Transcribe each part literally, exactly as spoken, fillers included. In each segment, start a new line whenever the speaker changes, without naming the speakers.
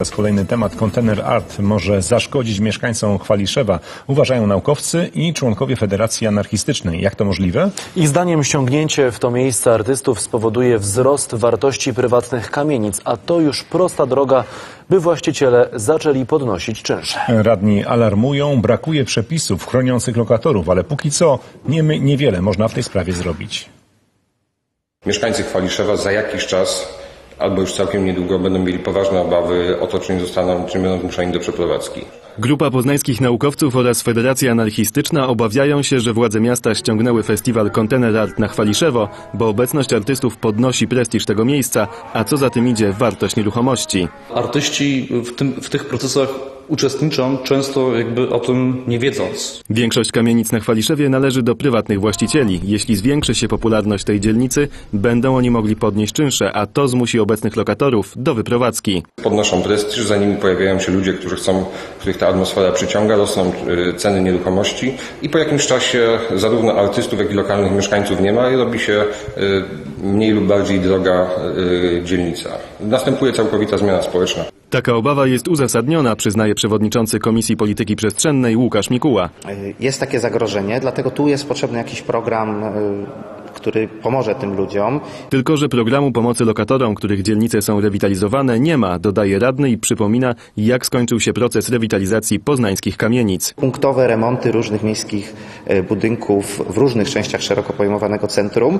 Kolejny temat. Kontener Art może zaszkodzić mieszkańcom Chwaliszewa, uważają naukowcy i członkowie Federacji Anarchistycznej. Jak to możliwe?
Ich zdaniem ściągnięcie w to miejsce artystów spowoduje wzrost wartości prywatnych kamienic, a to już prosta droga, by właściciele zaczęli podnosić czynsze.
Radni alarmują, brakuje przepisów chroniących lokatorów, ale póki co nie, niewiele można w tej sprawie zrobić.
Mieszkańcy Chwaliszewa za jakiś czas albo już całkiem niedługo będą mieli poważne obawy o to, czy nie zostaną, czy nie będą zmuszeni do przeprowadzki.
Grupa poznańskich naukowców oraz Federacja Anarchistyczna obawiają się, że władze miasta ściągnęły festiwal Kontener Art na Chwaliszewo, bo obecność artystów podnosi prestiż tego miejsca, a co za tym idzie, wartość nieruchomości.
Artyści w, tym, w tych procesach uczestniczą, często jakby o tym nie wiedząc.
Większość kamienic na Chwaliszewie należy do prywatnych właścicieli. Jeśli zwiększy się popularność tej dzielnicy, będą oni mogli podnieść czynsze, a to zmusi obecnych lokatorów do wyprowadzki.
Podnoszą prestiż, za nimi pojawiają się ludzie, którzy chcą, których ta atmosfera przyciąga, rosną ceny nieruchomości i po jakimś czasie zarówno artystów, jak i lokalnych mieszkańców nie ma i robi się mniej lub bardziej droga dzielnica. Następuje całkowita zmiana społeczna.
Taka obawa jest uzasadniona, przyznaje przewodniczący Komisji Polityki Przestrzennej Łukasz Mikuła.
Jest takie zagrożenie, dlatego tu jest potrzebny jakiś program, który pomoże tym ludziom.
Tylko że programu pomocy lokatorom, których dzielnice są rewitalizowane, nie ma, dodaje radny i przypomina, jak skończył się proces rewitalizacji poznańskich kamienic.
Punktowe remonty różnych miejskich budynków w różnych częściach szeroko pojmowanego centrum,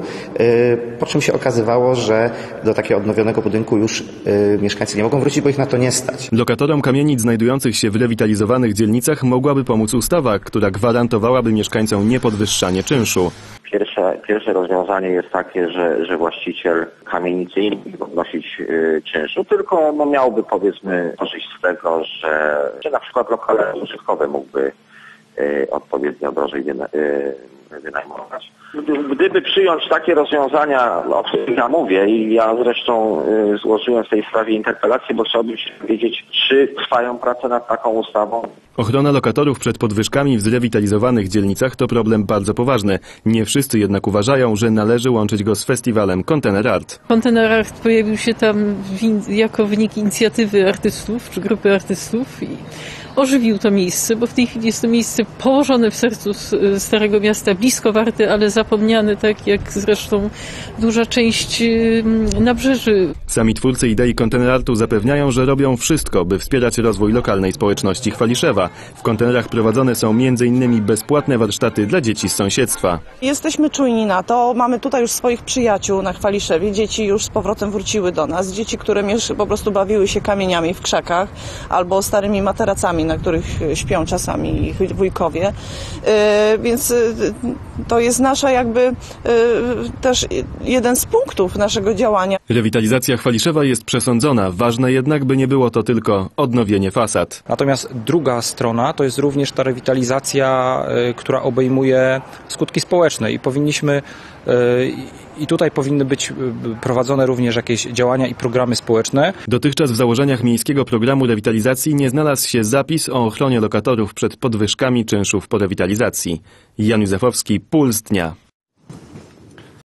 po czym się okazywało, że do takiego odnowionego budynku już mieszkańcy nie mogą wrócić, bo ich na to nie stać.
Lokatorom kamienic znajdujących się w rewitalizowanych dzielnicach mogłaby pomóc ustawa, która gwarantowałaby mieszkańcom niepodwyższanie czynszu.
Pierwsze, pierwsze rozwiązanie jest takie, że, że właściciel kamienicy nie mógł podnosić y, czynszu, tylko no, miałby powiedzmy korzyść z tego, że, że na przykład lokale użytkowe mógłby y, odpowiednio drożej wyna, y, wynajmować. Gdyby przyjąć takie rozwiązania, o których ja mówię i ja zresztą y, złożyłem w tej sprawie interpelację, bo chciałbym się dowiedzieć, czy trwają prace nad taką ustawą.
Ochrona lokatorów przed podwyżkami w zrewitalizowanych dzielnicach to problem bardzo poważny. Nie wszyscy jednak uważają, że należy łączyć go z festiwalem Kontener Art.
Kontener Art pojawił się tam jako wynik inicjatywy artystów, czy grupy artystów i ożywił to miejsce, bo w tej chwili jest to miejsce położone w sercu Starego Miasta, blisko Warty, ale zapomniane, tak jak zresztą duża część nabrzeży.
Sami twórcy idei Kontener Artu zapewniają, że robią wszystko, by wspierać rozwój lokalnej społeczności Chwaliszewa. W kontenerach prowadzone są między innymi bezpłatne warsztaty dla dzieci z sąsiedztwa.
Jesteśmy czujni na to. Mamy tutaj już swoich przyjaciół na Chwaliszewie. Dzieci już z powrotem wróciły do nas. Dzieci, które po prostu bawiły się kamieniami w krzakach albo starymi materacami, na których śpią czasami ich wujkowie. Yy, więc yy, to jest nasza jakby yy, też jeden z punktów naszego działania.
Rewitalizacja Chwaliszewa jest przesądzona. Ważne jednak, by nie było to tylko odnowienie fasad.
Natomiast druga strona to jest również ta rewitalizacja, y, która obejmuje skutki społeczne i powinniśmy y, i tutaj powinny być y, prowadzone również jakieś działania i programy społeczne.
Dotychczas w założeniach miejskiego programu rewitalizacji nie znalazł się zapis o ochronie lokatorów przed podwyżkami czynszów po rewitalizacji. Jan Józefowski, Puls Dnia.